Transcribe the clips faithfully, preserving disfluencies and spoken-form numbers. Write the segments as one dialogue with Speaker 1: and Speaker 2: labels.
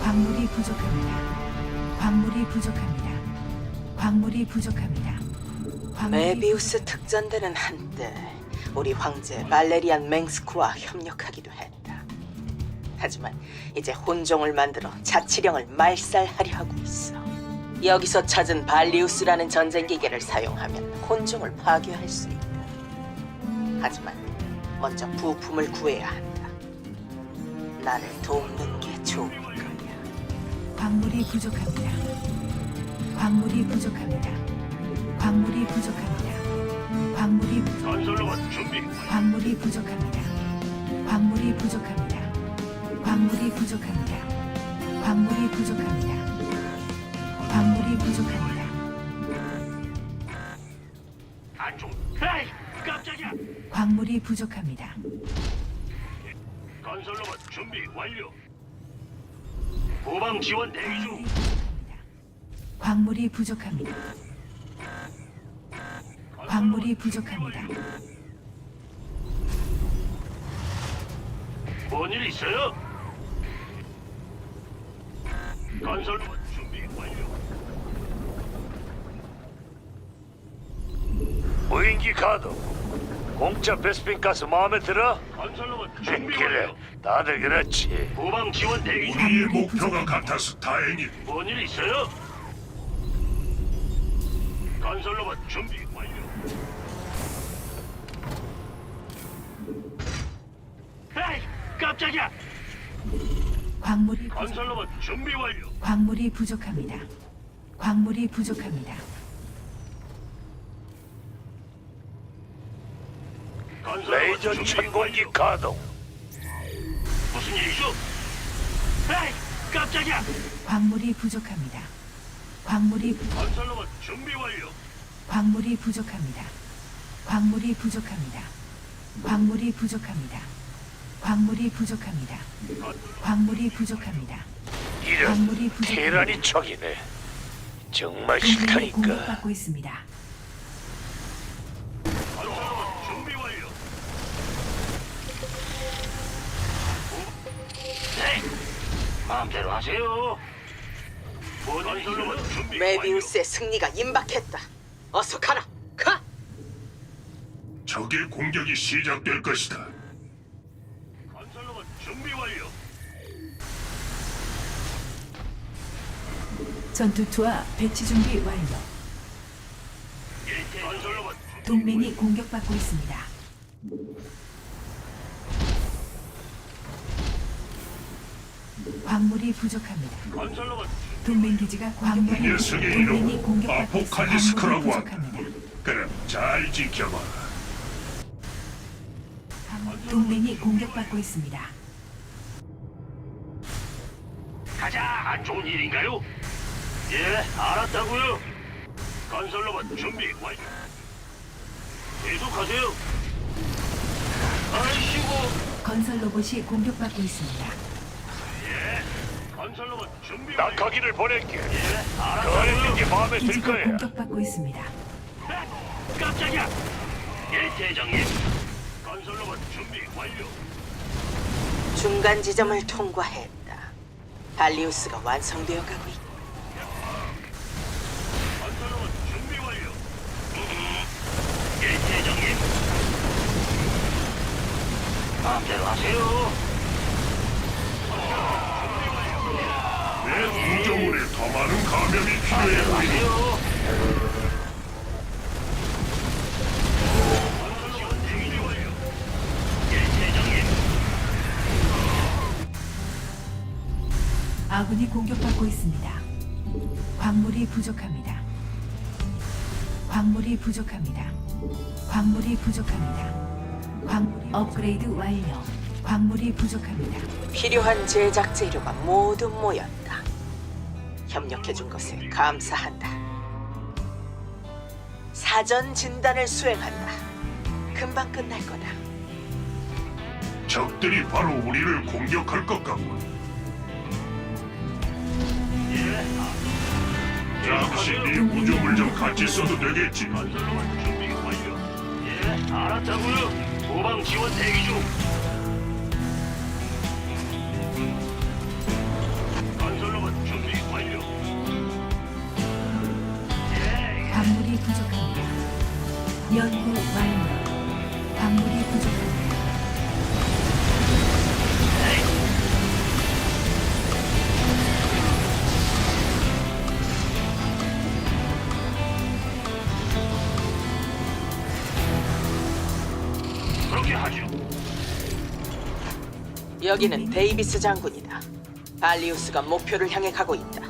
Speaker 1: 광물이 부족합니다. 광물이 부족합니다. 광물이 부족합니다. 광물이
Speaker 2: 메비우스 특전대는 한때 우리 황제 발레리안 맹스크와 협력하기도 했다. 하지만 이제 혼종을 만들어 자치령을 말살하려 하고 있어. 여기서 찾은 발리우스라는 전쟁 기계를 사용하면 혼종을 파괴할 수 있다. 하지만 먼저 부품을 구해야 한다. 나를 돕는 게 좋을 거야.
Speaker 1: 광물이 부족합니다. 광물이 부족합니다. 광물이 부족합니다. 광물이 부-
Speaker 3: 건설로봇 준비.
Speaker 1: 광물이 부족합니다. 광물이 부족합니다. 광물이 부족합니다. 광물이 부족합니다. 광물이 부족합니다.
Speaker 3: 안쪽. 에이, 깜짝이야.
Speaker 1: 광물이 부족합니다.
Speaker 3: 건설로봇 준비 완료. 후방 지원 대기 중.
Speaker 1: 광물이 부족합니다. 광물이 부족합니다.
Speaker 3: 뭔일 있어요? 건설로봇 준비 완료.
Speaker 4: 무인기 가동. 공짜 베스핀 가스 마음에 들어?
Speaker 3: 건설로봇 준비
Speaker 4: 그래,
Speaker 3: 완료.
Speaker 4: 다들 그렇지.
Speaker 3: 후방 지원 대기 중.
Speaker 1: 우리의 목표가
Speaker 3: 같아서 다행이. 뭔일 있어요? 건설로봇 준비 완료. 에이, 깜짝이야.
Speaker 1: 광물이 부-
Speaker 3: 건설로봇 준비 완료.
Speaker 1: 광물이 부족합니다. 광물이 부족합니다.
Speaker 3: 건설로봇
Speaker 4: 레이저
Speaker 3: 준비
Speaker 4: 천공기
Speaker 3: 완료.
Speaker 4: 가동.
Speaker 3: 무슨 일이죠? 에이, 깜짝이야.
Speaker 1: 광물이 부족합니다. 광물이 부-
Speaker 3: 건설로봇 준비 완료.
Speaker 1: 광물이 부족합니다. 광물이 부족합니다. 광물이 부족합니다. 광물이 부족합니다. 광물이 부족합니다.
Speaker 4: 이런
Speaker 1: 광물이 부족합니다.
Speaker 4: 테란이 척이네. 정말
Speaker 1: 동맹이
Speaker 4: 싫다니까.
Speaker 1: 공격받고 있습니다.
Speaker 3: 건설로봇 준비 완료. 네, 마음대로 하세요. 건설로봇 준비
Speaker 2: 메비우스의 승리가 임박했다. 어서 가라. 가!
Speaker 3: 적의 공격이 시작될 것이다. 건설로봇 준비 완료.
Speaker 1: 전투투와 배치 준비 완료.
Speaker 3: 예, 건설로봇
Speaker 1: 동맹이 공격받고 있습니다. 광물이 부족합니다.
Speaker 3: 건설로봇
Speaker 1: 동맹 기지가 광물이
Speaker 3: 녀석의
Speaker 1: 동맹이
Speaker 3: 이름
Speaker 1: 공격받고 있습니다.
Speaker 3: 아포칼리스크라고
Speaker 1: 광물이
Speaker 3: 한다.
Speaker 1: 부족합니다.
Speaker 3: 그럼 잘 지켜봐.
Speaker 1: 동맹이 공격받고 있습니다.
Speaker 3: 가자. 안 좋은 일인가요? 예, 알았다고요. 건설로봇 준비 완료. 계속하세요. 아이씨고.
Speaker 1: 건설 로봇이 공격받고 있습니다.
Speaker 3: 예, 건설로봇 준비 완료.
Speaker 4: 낙하기를 보낼게.
Speaker 3: 예,
Speaker 4: 거래는
Speaker 3: 알았다고요.
Speaker 4: 게 마음에 들
Speaker 1: 기지가
Speaker 4: 거야.
Speaker 1: 공격받고 있습니다.
Speaker 3: 에, 깜짝이야. 예, 대장님. 건설로봇 준비 완료.
Speaker 2: 중간 지점을 통과했다. 발리우스가 완성되어 가고 있다.
Speaker 3: 건설로봇 준비 완료. 예, 대장님. 마음대로 하세요.
Speaker 5: 내 구조물에 더 많은 감염이 필요해
Speaker 3: 마음대로
Speaker 5: 보이니
Speaker 3: 하세요. 건설로봇 준비 완료. 예, 대장님.
Speaker 1: 아군이 공격받고 있습니다. 광물이 부족합니다. 광물이 부족합니다. 광물이 부족합니다. 광물이 업그레이드 완료. 광물이 부족합니다.
Speaker 2: 필요한 제작 재료가 모두 모였다. 협력해준 것에 감사한다. 사전 진단을 수행한다. 금방 끝날 거다.
Speaker 5: 적들이 바로 우리를 공격할 것 같군. 잠시 네 구조물 좀 같이 써도 되겠지.
Speaker 3: 건설로봇 준비 완료. 예, 알았다고요. 후방 지원 대기 중. 건설
Speaker 2: 여기는 데이비스 장군이다. 발리우스가 목표를 향해 가고 있다.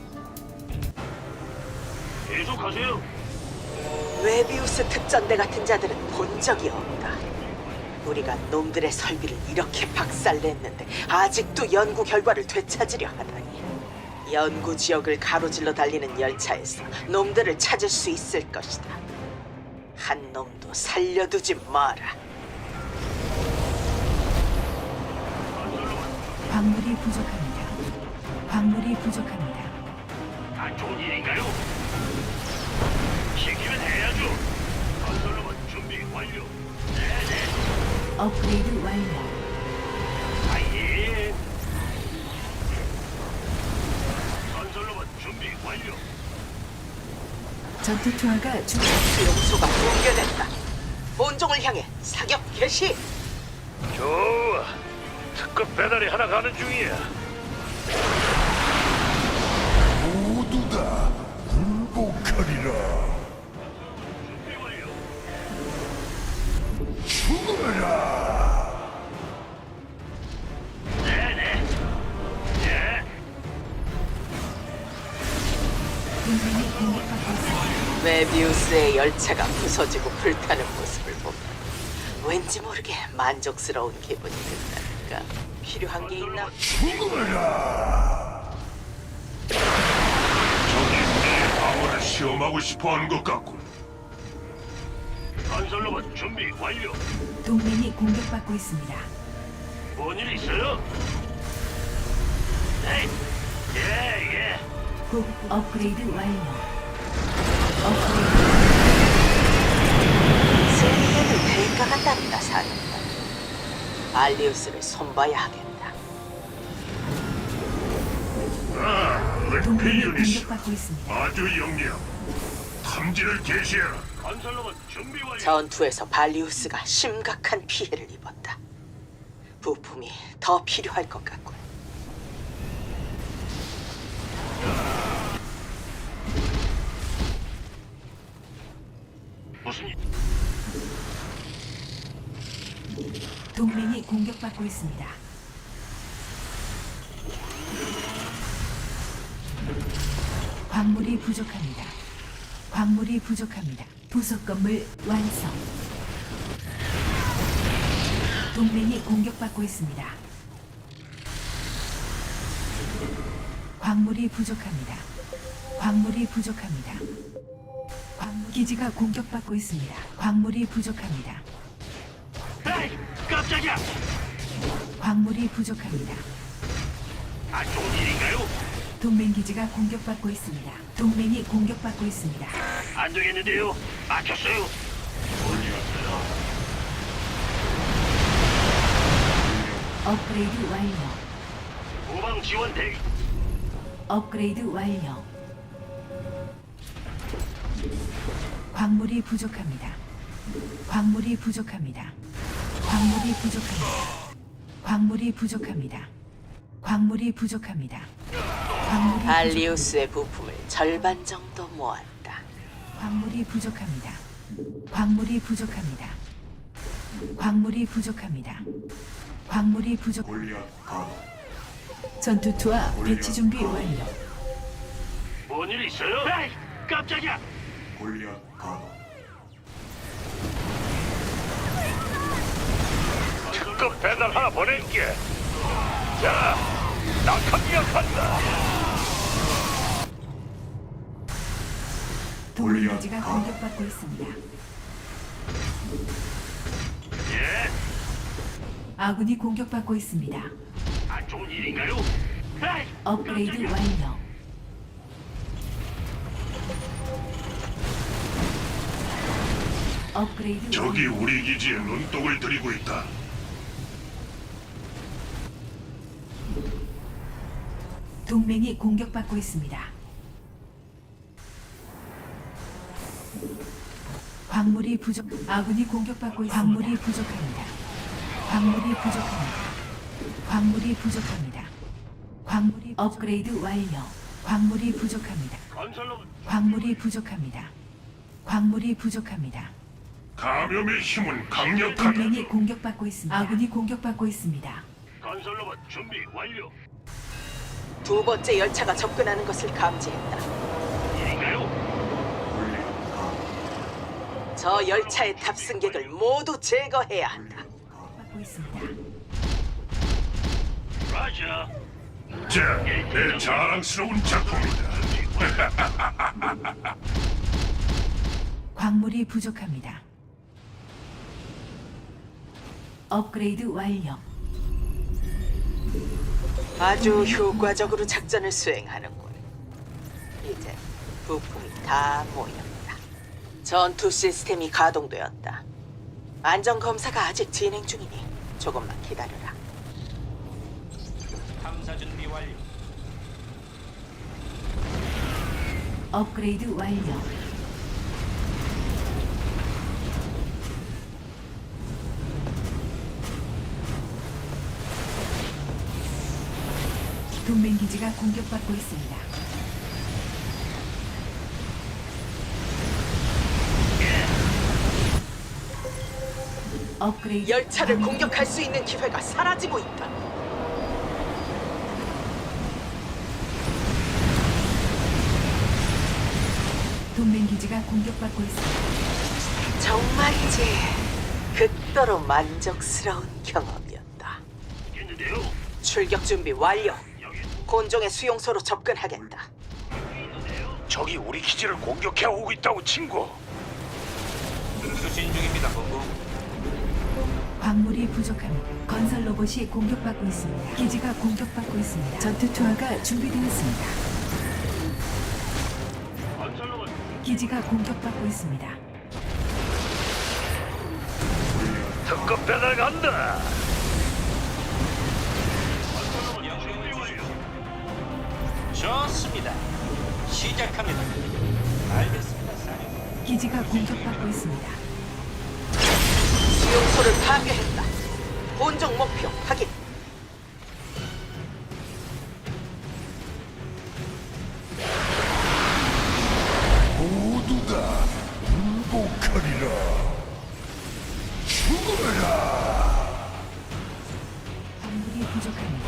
Speaker 3: 계속하세요.
Speaker 2: 웨비우스 특전대 같은 자들은 본 적이 없다. 우리가 놈들의 설비를 이렇게 박살냈는데 아직도 연구 결과를 되찾으려 하다니. 연구 지역을 가로질러 달리는 열차에서 놈들을 찾을 수 있을 것이다. 한 놈도 살려두지 마라.
Speaker 1: 광물이 부족합니다. 광물이 부족합니다.
Speaker 3: 안 좋은 일인가요? 시키면 해야죠. 건설로만 준비 완료. 네네.
Speaker 1: 업그레이드 완료.
Speaker 3: 아예. 건설로만 준비 완료.
Speaker 1: 전투 투하가 중.
Speaker 2: 수용소가 붕괴됐다. 본종을 향해 사격 개시.
Speaker 4: 좋아. 특급 배달이 하나 가는 중이야.
Speaker 5: 모두 다 굴복하리라.
Speaker 3: 준비 완료.
Speaker 5: 죽어라.
Speaker 3: 네네. 예.
Speaker 1: 동맹이 공격받고 있습니다.
Speaker 2: 메비우스의 열차가 부서지고 불타는 모습을 보면 왠지 모르게 만족스러운 기분이 든다니까. 필요한 게 있나?
Speaker 5: 죽어라. 저기 내 방어를 시험하고 싶어하는 것 같군.
Speaker 3: 건설로만 준비 완료.
Speaker 1: 동맹이 공격받고 있습니다.
Speaker 3: 뭔 일 있어요? 네. 예, 예.
Speaker 1: 곧 업그레이드 완료. 업그레이드
Speaker 2: 승리에는 대가가 따른다, 사령관. 발리우스를 손봐야 하겠다.
Speaker 5: 아,
Speaker 1: 동맹이
Speaker 5: 은폐 유닛
Speaker 1: 공격받고 있습니다.
Speaker 5: 아주 영리하고 탐지를 개시해라.
Speaker 3: 건설로만 준비 완료.
Speaker 2: 전투에서 발리우스가 심각한 피해를 입었다. 부품이 더 필요할 것 같군.
Speaker 3: 무슨 일?
Speaker 1: 동맹이 공격받고 있습니다. 광물이 부족합니다. 광물이 부족합니다. 부속 건물 완성. 동맹이 공격받고 있습니다. 광물이 부족합니다. 광물이 부족합니다. 광물 기지가 공격받고 있습니다. 광물이 부족합니다.
Speaker 3: 에이, 깜짝이야.
Speaker 1: 광물이 부족합니다.
Speaker 3: 안 좋은 일인가요?
Speaker 1: 동맹 기지가 공격받고 있습니다. 동맹이 공격받고 있습니다.
Speaker 3: 안 되겠는데요. 막혔어요.
Speaker 1: 업그레이드 완료.
Speaker 3: 후방 지원 대기.
Speaker 1: 업그레이드 완료. 광물이 부족합니다. 광물이 부족합니다. 광물이 부족합니다. 광물이 부족합니다. 광물이 부족합니다. 광물이
Speaker 2: 발리우스의 부품을 절반 정도 모았다.
Speaker 1: 광물이 부족합니다. 광물이 부족합니다. 광물이 부족합니다. 광물이 부족. 전투 투하 배치 준비 완료.
Speaker 3: 뭔 일 있어요? 에이, 깜짝이야.
Speaker 4: 특급 배달 하나 보낼게. 자, 낙하기약 한다.
Speaker 1: 동맹 기지가 공격받고 있습니다.
Speaker 3: 예.
Speaker 1: 아군이 공격받고 있습니다.
Speaker 3: 안 좋은 일인가요? 에이,
Speaker 1: 업그레이드
Speaker 3: 깜짝이야.
Speaker 1: 완료. 업그레이드
Speaker 5: 저기
Speaker 1: 완료.
Speaker 5: 우리 기지에 눈독을 들이고 있다.
Speaker 1: 동맹이 공격받고 있습니다. 광물이 부족. 아군이 공격받고 있습니다. 광물이 부족합니다. 광물이 부족합니다. 광물이 부족합니다. 광물이 업그레이드 완료. 광물이 부족합니다.
Speaker 3: 건설로
Speaker 1: 광물이 부족합니다. 광물이 부족합니다.
Speaker 5: 감염의 힘은 강력하다.
Speaker 1: 동맹이 공격받고 있습니다. 아군이 공격받고 있습니다.
Speaker 3: 건설로봇 준비 완료.
Speaker 2: 두 번째 열차가 접근하는 것을 감지했다.
Speaker 3: 일인가요?
Speaker 2: 저 열차의 탑승객을 모두 제거해야 한다.
Speaker 1: 받고 있습니다.
Speaker 3: 라자.
Speaker 5: 자, 내 자랑스러운 작품이다.
Speaker 1: 광물이 부족합니다. 업그레이드 완료.
Speaker 2: 아주 효과적으로 작전을 수행하는군. 이제 부품이 다 모였다. 전투 시스템이 가동되었다. 안전 검사가 아직 진행 중이니 조금만 기다려라.
Speaker 6: 탐사 준비 완료.
Speaker 1: 업그레이드 완료. 동맹 기지가 공격받고 있습니다. 업그레이드
Speaker 2: 열차를
Speaker 1: 완료.
Speaker 2: 공격할 수 있는 기회가 사라지고 있다.
Speaker 1: 동맹 기지가 공격받고 있습니다.
Speaker 2: 정말이지 극도로 만족스러운 경험이었다.
Speaker 3: 있겠는데요?
Speaker 2: 출격 준비 완료.
Speaker 3: 여기
Speaker 2: 곤종의 수용소로 접근하겠다.
Speaker 4: 적이 우리 기지를 공격해 오고 있다고 친구.
Speaker 6: 수신 중입니다, 본부.
Speaker 1: 광물이 부족합니다. 건설 로봇이 공격받고 있습니다. 기지가 공격받고 있습니다. 전투 투하가 준비되었습니다.
Speaker 3: 건설로봇
Speaker 1: 기지가 공격받고 있습니다.
Speaker 4: 특급 배달 간다.
Speaker 3: 건설로봇 준비
Speaker 6: 명령을
Speaker 3: 완료.
Speaker 6: 주십시오. 좋습니다. 시작합니다. 알겠습니다, 사령.
Speaker 1: 기지가 공격받고 있습니다.
Speaker 2: 수용소를 파괴했다. 곤종 목표 확인.
Speaker 5: 모두 다 굴복하리라. 죽어라.
Speaker 1: 광물이 부족합니다.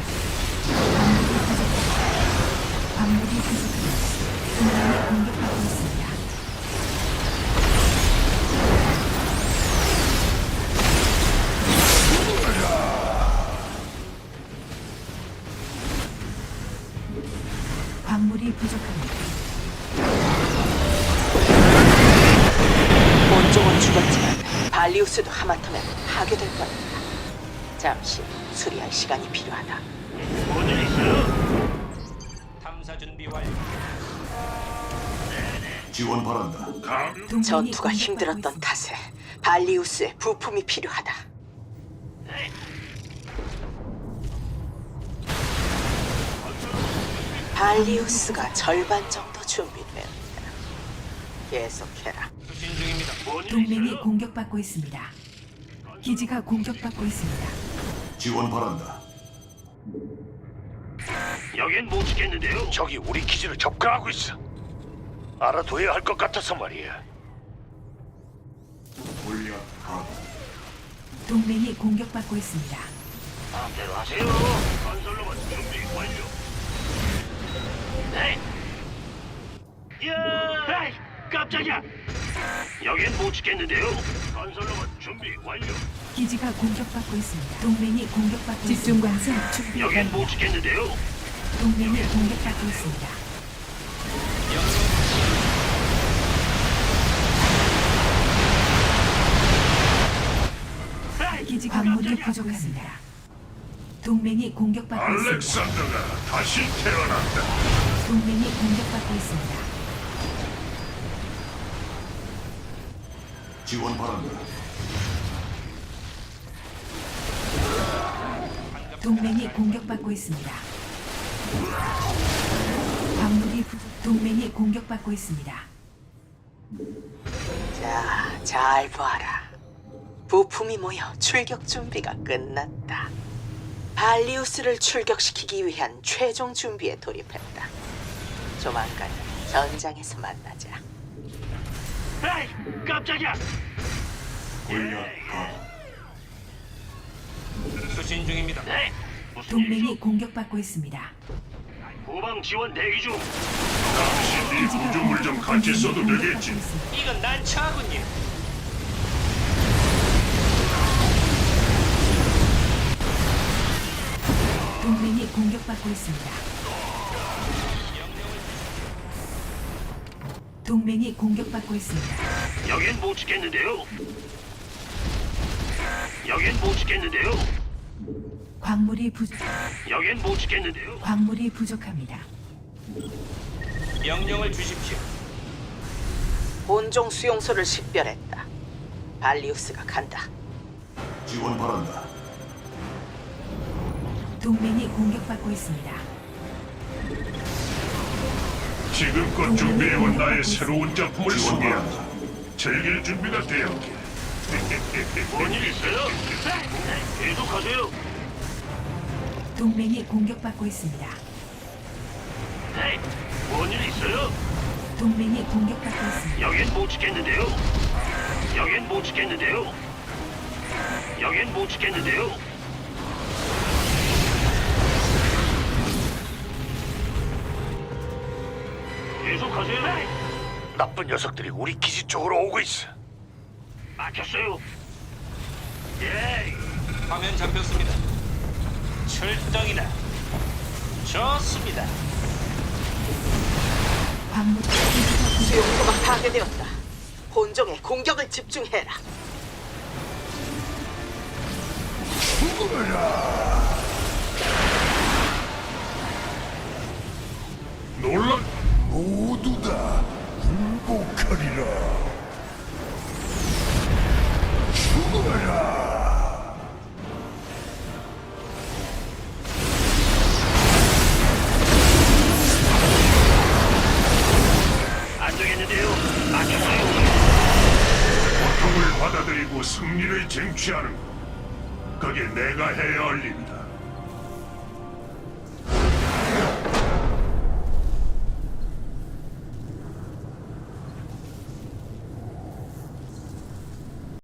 Speaker 1: 광물이 부족합니다. 광물이 부족합니다. 동맹이 공격받고 있습니다. 광물이 부족합니다.
Speaker 2: 곤종은 죽었지만 발리우스도 하마터면 파괴될 뻔했다. 잠시 수리할 시간이 필요하다.
Speaker 3: 뭔일 있어요?
Speaker 6: 탐사 준비 완료.
Speaker 5: 지원 바란다. 감.
Speaker 1: 동맹이
Speaker 2: 전투가
Speaker 1: 공격받고
Speaker 2: 힘들었던
Speaker 1: 있습니다.
Speaker 2: 탓에 발리우스의 부품이 필요하다. 발리우스가 절반 정도 준비되었다. 계속해라.
Speaker 6: 수신 중입니다.
Speaker 3: 뭔일
Speaker 1: 동맹이
Speaker 3: 있어요?
Speaker 1: 공격받고 있습니다. 기지가 공격받고 있습니다.
Speaker 5: 지원 바란다.
Speaker 3: 여긴 못 지켰는데요.
Speaker 4: 적이 우리 기지를 접근하고 있어. 알아둬야 할 것 같아서 말이야.
Speaker 5: 골리앗 감.
Speaker 1: 동맹이 공격받고 있습니다.
Speaker 3: 마음대로 하세요. 건설로봇 준비 완료. 네. 야! 에이, 깜짝이야. 여긴 못 지켰는데요. 건설로봇 준비 완료.
Speaker 1: 기지가 공격받고 있습니다. 동맹이 공격받고 집중 관성 준비
Speaker 3: 여긴
Speaker 1: 완료.
Speaker 3: 못 지켰는데요.
Speaker 1: 동맹이 공격받고 있습니다.
Speaker 3: 에이,
Speaker 1: 기지 광물이
Speaker 3: 깜짝이야.
Speaker 1: 부족합니다. 동맹이 공격받고 있습니다.
Speaker 5: 알렉산더가 다시 태어난다.
Speaker 1: 동맹이 공격받고 있습니다.
Speaker 5: 지원 바란다.
Speaker 1: 동맹이 공격받고 있습니다. 광물이 부족. 동맹이 공격받고 있습니다.
Speaker 2: 자, 잘 봐라. 부품이 모여 출격 준비가 끝났다. 발리우스를 출격시키기 위한 최종 준비에 돌입했다. 조만간 전장에서 만나자.
Speaker 3: 에이, 깜짝이야.
Speaker 5: 골리앗 감.
Speaker 6: 수신 중입니다.
Speaker 3: 네. 무슨
Speaker 1: 동맹이
Speaker 3: 일이죠?
Speaker 1: 공격받고 있습니다.
Speaker 3: 후방 지원 대기 중.
Speaker 5: 당신 네 구조물 좀 같이 써도 되겠지.
Speaker 1: 있습니다.
Speaker 6: 이건 난처하군요.
Speaker 1: 동맹이 공격받고 있습니다. 동맹이 공격받고 있습니다.
Speaker 3: 여긴 못 지켰는데요. 여긴 못 지켰는데요.
Speaker 1: 광물이 부
Speaker 3: 여긴 못 지켰는데요.
Speaker 1: 광물이 부족합니다.
Speaker 6: 명령을 주십시오.
Speaker 2: 본종 수용소를 식별했다. 발리우스가 간다.
Speaker 5: 지원 바란다.
Speaker 1: 동맹이 공격받고 있습니다.
Speaker 5: 지금껏 준비해온 나의 새로운 작품을 소개한다. 즐길 준비가 되었게.
Speaker 3: 뭔일 있어요? 계속하세요.
Speaker 1: 동맹이 공격받고 있습니다.
Speaker 3: 네. 뭔일 있어요?
Speaker 1: 동맹이 공격받고 있습니다.
Speaker 3: 여긴 못 지켰는데요. 여긴 못 지켰는데요. 여긴 못 지켰는데요. 계속하세요.
Speaker 4: 나쁜 녀석들이 우리 기지 쪽으로 오고 있어.
Speaker 3: 막혔어요. 예.
Speaker 6: 화면 잡혔습니다. 출동이다. 좋습니다.
Speaker 1: 광물 기지가
Speaker 2: 수용소가 파괴되었다. 본종에 공격을 집중해라.
Speaker 5: 놀라 모두 다 굴복하리라. 죽어라.
Speaker 3: 안 되겠는데요. 막혔어요.
Speaker 5: 고통을 받아들이고 승리를 쟁취하는 것. 그게 내가 해야 할 일이다.